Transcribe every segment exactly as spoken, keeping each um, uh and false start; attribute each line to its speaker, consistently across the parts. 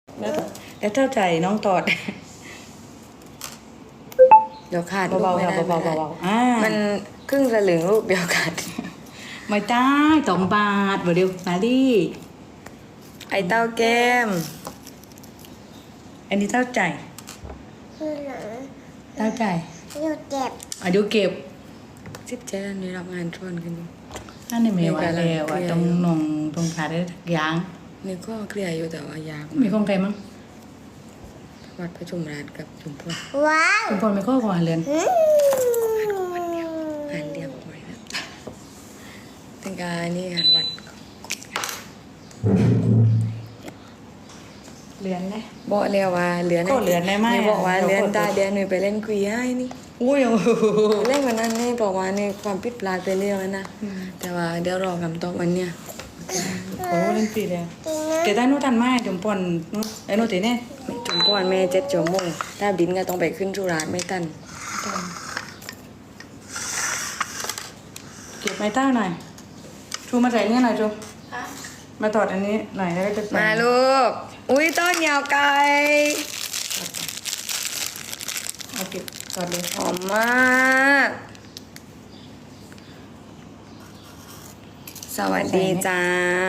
Speaker 1: แล้วแล้วเท่าใจน้องตอด
Speaker 2: เดี๋ยวขาด
Speaker 1: เบาๆ
Speaker 2: ไม่
Speaker 1: ค่ะ
Speaker 2: ได้
Speaker 1: เบาๆ
Speaker 2: ไม่ได้
Speaker 1: เบาๆอ่า
Speaker 2: มันครึ่งสลึงลูกเดียวกัน
Speaker 1: ไม่ได้สองบาทบ่เดียวมาดิ
Speaker 2: ไอเต้าแก้ม
Speaker 1: อันนี้เท่าใจ
Speaker 3: คือหนัง
Speaker 1: เท่าใจ
Speaker 3: อยู่เจ็บ
Speaker 1: อ่ะเดี๋ยวเก็บ
Speaker 2: สิบเจ็ดอันนี้รับงานชวนกันอยู่
Speaker 1: นั่นในเมวะแล้วอ่ะตรงนงตรงขาได้ยาง
Speaker 2: นี่ก็เคลียร์อยู่แต่ว่ายาก
Speaker 1: มีของใครมั้ง
Speaker 2: วัดพระชุมราชกับชุมพล
Speaker 3: ว้าว
Speaker 1: คุณพลไม่ข้อของอาเรือน
Speaker 3: อืม
Speaker 2: งานเรียบร้อยแล้วถึงการนี่งานวัด
Speaker 1: เรือนเลย
Speaker 2: บอกเรียกว่าเหลือน
Speaker 1: ก็เหลือนได้ไหม
Speaker 2: นี่บอกว่า
Speaker 1: เดี๋ยว
Speaker 2: เหลือน
Speaker 1: กด
Speaker 2: ตาเดียวหนูไปเล่นคุยให้นี่
Speaker 1: อุ้ยโอ้โห
Speaker 2: เล่นวันนั้นนี่บอกว่านี่ความผิดพลาดไปเรื่องแล้วนะแต่ว่าเดี๋ยวรอคำตอบวันเนี้ย
Speaker 1: โอ้เล่นปีเลย
Speaker 3: จริงนะ
Speaker 1: แต่ได้นู้ทันไหมจมปอนนู้ไอ้นู้ตีเนี่ย
Speaker 2: ถึงก่อนแม่เจ็ดชั่วโมงถ้าบินก็ต้องไปขึ้นจุฬาไม่ตัน
Speaker 1: เก็บไม้เต้าหน่อยชูมาใส่เนี่ยหน่อยจูมาตอดอันนี้หน่อยแล้วก็จะใส่
Speaker 2: มาลูก อุ้ยต้นยาวไกล
Speaker 1: เอาเก็บตอดเลย
Speaker 2: หอมมากสวัสดีจ้า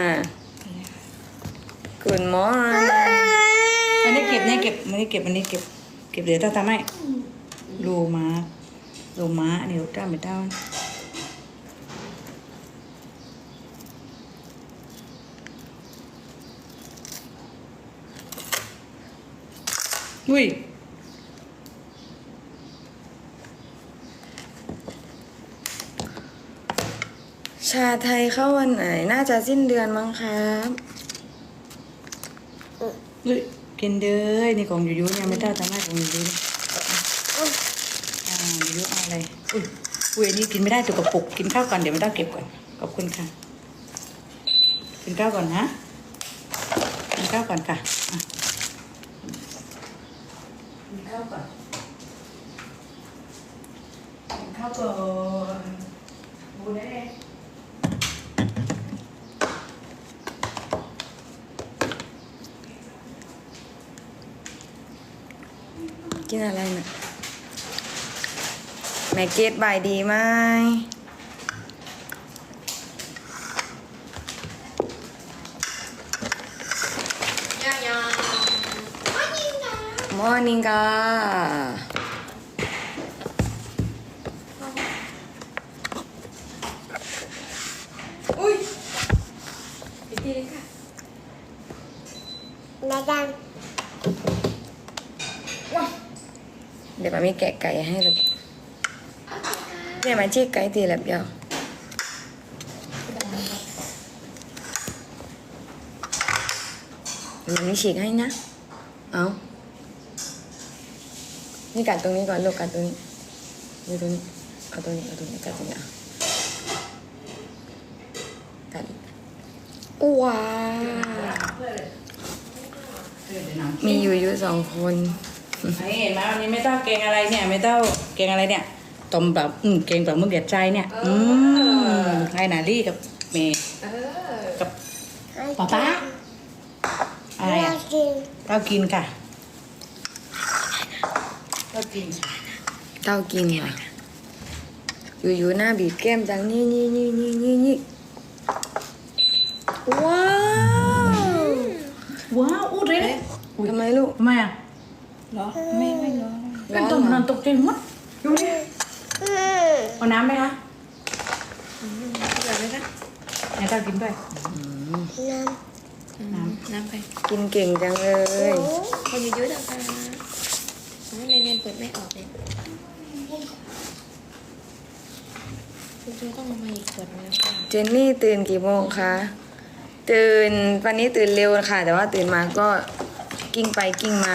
Speaker 2: Good morning
Speaker 1: อันนี้เก็บเนี่ยเก็บอันนี้เก็บอันนี้เก็บเก็บเดี๋ยวเต้าทำให้โลมาโลมาอันนี้เต้าไม่เต้าอุ้ย
Speaker 2: ชาไทยเข้าวันไหน น่าจะสิ้นเดือนมั้งครับ
Speaker 1: อุ้ยกินเด้อนี่ของยูยูเนี่ยไม่เต้าทำให้ของยูยูอ่ายูยูเอาอะไรอุ้ยอุ้ยอันนี้กินไม่ได้ตัวกระปุกกินข้าวก่อนเดี๋ยวไม่ต้องเก็บก่อนขอบคุณค่ะกินข้าวก่อนนะกินข้าวก่อนค่ะอ่ะกินข้าวก่อนกินข้าวก่อนบูได้เลย
Speaker 2: กินอะไรนะแม่เกดบายดีไหมมอร์นิ่งกาอุ้ยอีกทีนึงค่ะ
Speaker 3: แม่ดัง
Speaker 2: เดี๋ยวมามีแกะไก่ให้ลูกเนี่ยมาชี้ไก่ทีละเดียวมันมีฉีกให้นะ เอานี่กัดตรงนี้ก่อนลูกกัดตรงนี้นี่ตรงนี้ เอาตรงนี้ เอาตรงนี้กัดตรงนี้อ่ะกัดว้าวมีอยู่อยู่สองคน
Speaker 1: นี่เห็นไหมวันนี้ไม่ต้องเกงอะไรเนี่ย ไม่ต้องเกงอะไรเนี่ยต้มแบบอืมเกงแบบมึงเดือดใจเนี่ยอืมไอ้นาลี่กับเมย์กับป๊าป๊าอะไร
Speaker 3: แม่
Speaker 1: อ่ะ
Speaker 3: กิน
Speaker 1: เรากินค่ะเรากิน
Speaker 2: เต้ากินค่ะอยู่ๆหน้าบีบแก้มจังนี่นี่นี่นี่นี่นี่ว้าว
Speaker 1: ว้าวอู้เลย
Speaker 2: ทำไมลูก
Speaker 1: ทำไมอ่ะ
Speaker 2: เหรอ ไม่ไม่ร้อน
Speaker 1: เป็นต้มนอนตกใจหมดดูดิ
Speaker 3: อืม
Speaker 1: เอาน้ำไหมคะ
Speaker 2: อยากไหมคะ
Speaker 1: ไหนเรากินด้วย
Speaker 3: น้
Speaker 1: น้
Speaker 4: น้ำไป
Speaker 2: กินเก่งจังเลย
Speaker 4: พออยู่ยืดออกมาอ๋อในเรียนเปิดไม่ออกเลยคุณจูต้องเอามาอีกขวดนึงค่ะ
Speaker 2: เจนนี่ตื่นกี่โมงคะ ตื่นวันนี้ตื่นเร็วค่ะ แต่ว่าตื่นมาก็กิ้งไปกิ้งมา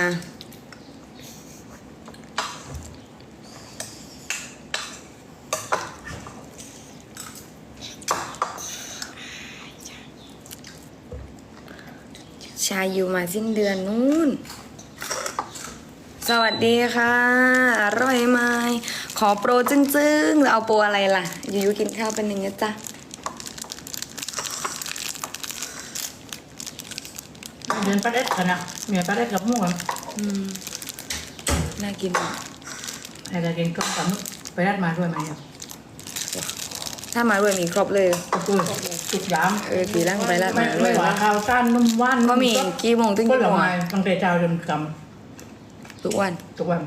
Speaker 2: ชายอยู่มาสิ้นเดือนนู้น สวัสดีค่ะ อร่อยไหมขอโปรจึ้งๆแล้วเอาโปรอะไรล่ะ อยู่ๆกินข้าวเป็นหนึ่งนะจ๊ะ
Speaker 1: ำมือนปลาเด็ดกันนะเหมือนปลาเด็ดกับหมูอะ
Speaker 2: อืมน่ากินมาก
Speaker 1: ไอ้กระเกินก็กับไปรัดมาด้วยไหมครับ
Speaker 2: ถ้ามาด้วยมีครบเลย
Speaker 1: ก็คือจุดยาม
Speaker 2: เออตีร่างไปแล้ว
Speaker 1: ไม่
Speaker 2: มาด้
Speaker 1: ไม่
Speaker 2: วย
Speaker 1: หวานข้าวก้านนุ่มหว่าน
Speaker 2: ก็มีกี่โมงถึง
Speaker 1: ก็
Speaker 2: กี่
Speaker 1: หล
Speaker 2: โม
Speaker 1: ง
Speaker 2: ง
Speaker 1: มา
Speaker 2: อะ
Speaker 1: ตั้งแต่เช้าจนก
Speaker 2: ทุกวัน
Speaker 1: ำทุกวัน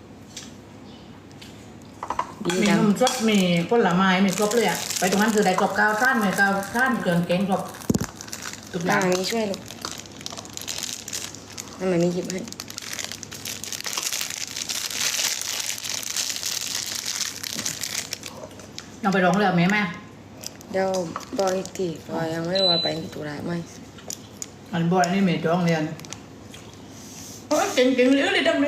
Speaker 2: ดี
Speaker 1: มี
Speaker 2: จัง
Speaker 1: นมสดมีผลไม้มีครบเลยอ่ะไปตรงนั้นคือได้กรอบข้าวก้านมีข้าวก้านเครื่องแกงครบทุกอ
Speaker 2: มา
Speaker 1: ย่าง
Speaker 2: อันนี้ช่วยลูกทำไมไม่หยิบให้
Speaker 1: น้องไปร้องเรือไหมแม่
Speaker 2: เดี๋ยวบอกอีกทีเพอยังไม่รู้ว่าไปตุลาไหม
Speaker 1: อันบอยนี่มีร้องเรียนโอ้ยเก่งๆเหลือเลยดำเลย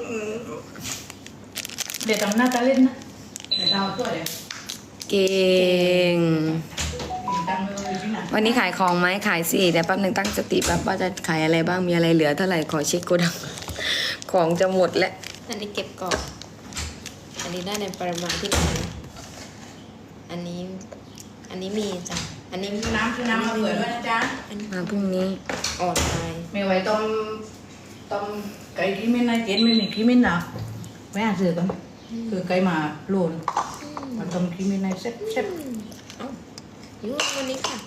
Speaker 1: เดี๋ยวทำหน้าตาเล่นนะเดี๋ยวเราตัวเดี๋ยว
Speaker 2: เก่ง
Speaker 1: ดังเลยพี่นะ
Speaker 2: วันนี้ขายของไหมขายสิเดี๋ยวแป๊บหนึงตั้งสติแป๊บว่าจะขายอะไรบ้างมีอะไรเหลือเท่าไหร่ขอเช็คโกดัง ของจะหมดแล้ว
Speaker 4: อันนี้เก็บก่อน อันนี้ได้ในปริมาณที่ไหนอันนี้ อันนี้มีจ้ะ อันนี้
Speaker 1: น้ำคือน้ำมาเปิดด้วยนะจ๊ะ
Speaker 4: อันนี้
Speaker 2: มาพรุ่งนี้
Speaker 4: อ่อนไป
Speaker 1: ไม่ไหวต้มต้มไก่ขี้มิ้นนะเจนไม่มีขี้มิ้นหรอไม่อ่านสื่อกันคือไก่มาโลนมาต้มขี้มิ้นในเซ็ตเซ็ต
Speaker 4: เอ้าอยู่วันนี้ค่ะ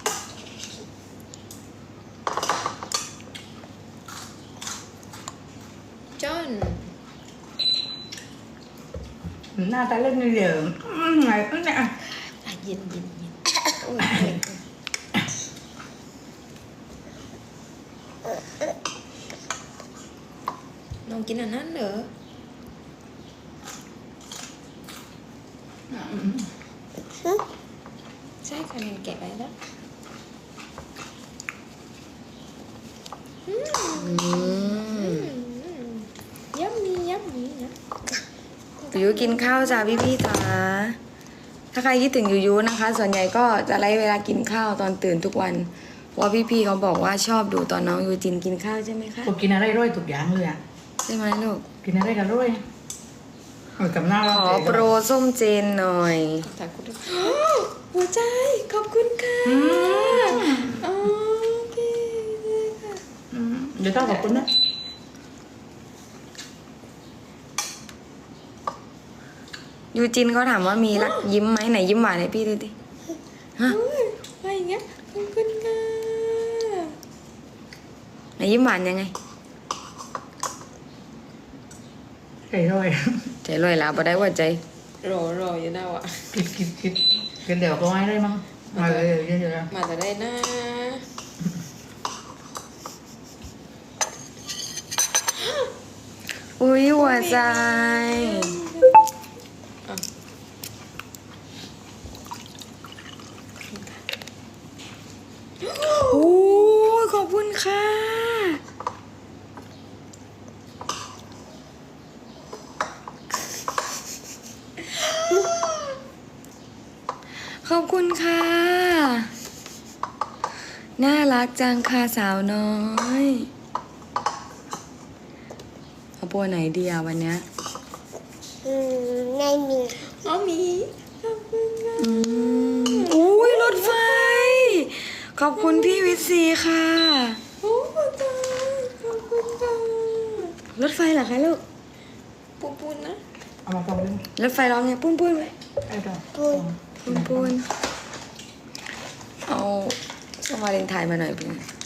Speaker 4: จอน
Speaker 1: หน้าตาเล่นนี่เดี๋ยวไงเนี่ย
Speaker 4: อ่ะเย็นเย็นเย็นโอ้ยน้องกินอันนั้นเหรอ ใช่ค่ะมันแกะไปแล้วอืม
Speaker 2: อืม
Speaker 4: ยับมียับมีนะ
Speaker 2: ยูยูกินข้าวจ้าพี่พี่ๆจ๋าถ้าใครคิดถึงยูยูนะคะ ส่วนใหญ่ก็จะไล่เวลากินข้าวตอนตื่นทุกวันเพราะว่าพี่พี่ๆเขาบอกว่าชอบดูตอนน้องยูจินกินข้าวใช่ไหมคะ
Speaker 1: ผมกินอะไรร่อยทุกอย่างเลยอ่ะ
Speaker 2: ใช่ไหมลูก
Speaker 1: กินอะไรกันร่อยเอากับหน้า
Speaker 2: ข
Speaker 1: เรา
Speaker 2: อโปรส้มเจนหน่อย
Speaker 4: ถ่ายคุณด้วยหัวใจ ขอบคุณค่ะโอเคเลยค่ะ
Speaker 1: อืมเดี๋ยวต้องขอบคุณนะ
Speaker 2: ยูจินเขาถามว่ามีรักยิ้มไหมไหนยิ้มหวานให้พี่ดูดิฮะ
Speaker 4: อุ้ยอะไรอย่างเงี้ยขอบคุณค่ะ
Speaker 2: ไหนยิ้มหวานยังไง
Speaker 1: ไก่ร่อย
Speaker 2: ใจลอยแล้วพอได้หัวใจ
Speaker 4: รอรออยู่นะวะ
Speaker 1: คิดคิดคิดกินเดี๋ยวก็ไม่ได้มั้งมาเลยเยอะๆแล้ว
Speaker 4: มาจะได้นะ
Speaker 2: อุ้ยหัวใจ
Speaker 4: อ่ะ
Speaker 2: โอ้ยขอบคุณค่ะ ขอบคุณค่ะ น่ารักจังค่ะสาวน้อย เอาปัวไหนดีอะวันเนี้ย
Speaker 3: อืมไม่มี
Speaker 4: อ๋อมีขอบคุณค่ะ
Speaker 2: อืมอุ้ยรถไฟ ขอบคุณพี่วิทย์ซีค่ะ
Speaker 4: โอ้หัวใจขอบคุณค่ะ
Speaker 2: รถไฟเหรอคะลูก
Speaker 4: ปูปูนนะ
Speaker 1: เอามาตรงนี้
Speaker 2: รถไฟร้องไงปุ้นปุ้นไหม
Speaker 1: ไอ้ตัว
Speaker 3: ปุ้น
Speaker 2: ปุ้นปุ้นเอาสมาเรนไทยมาหน่อยเพื่อน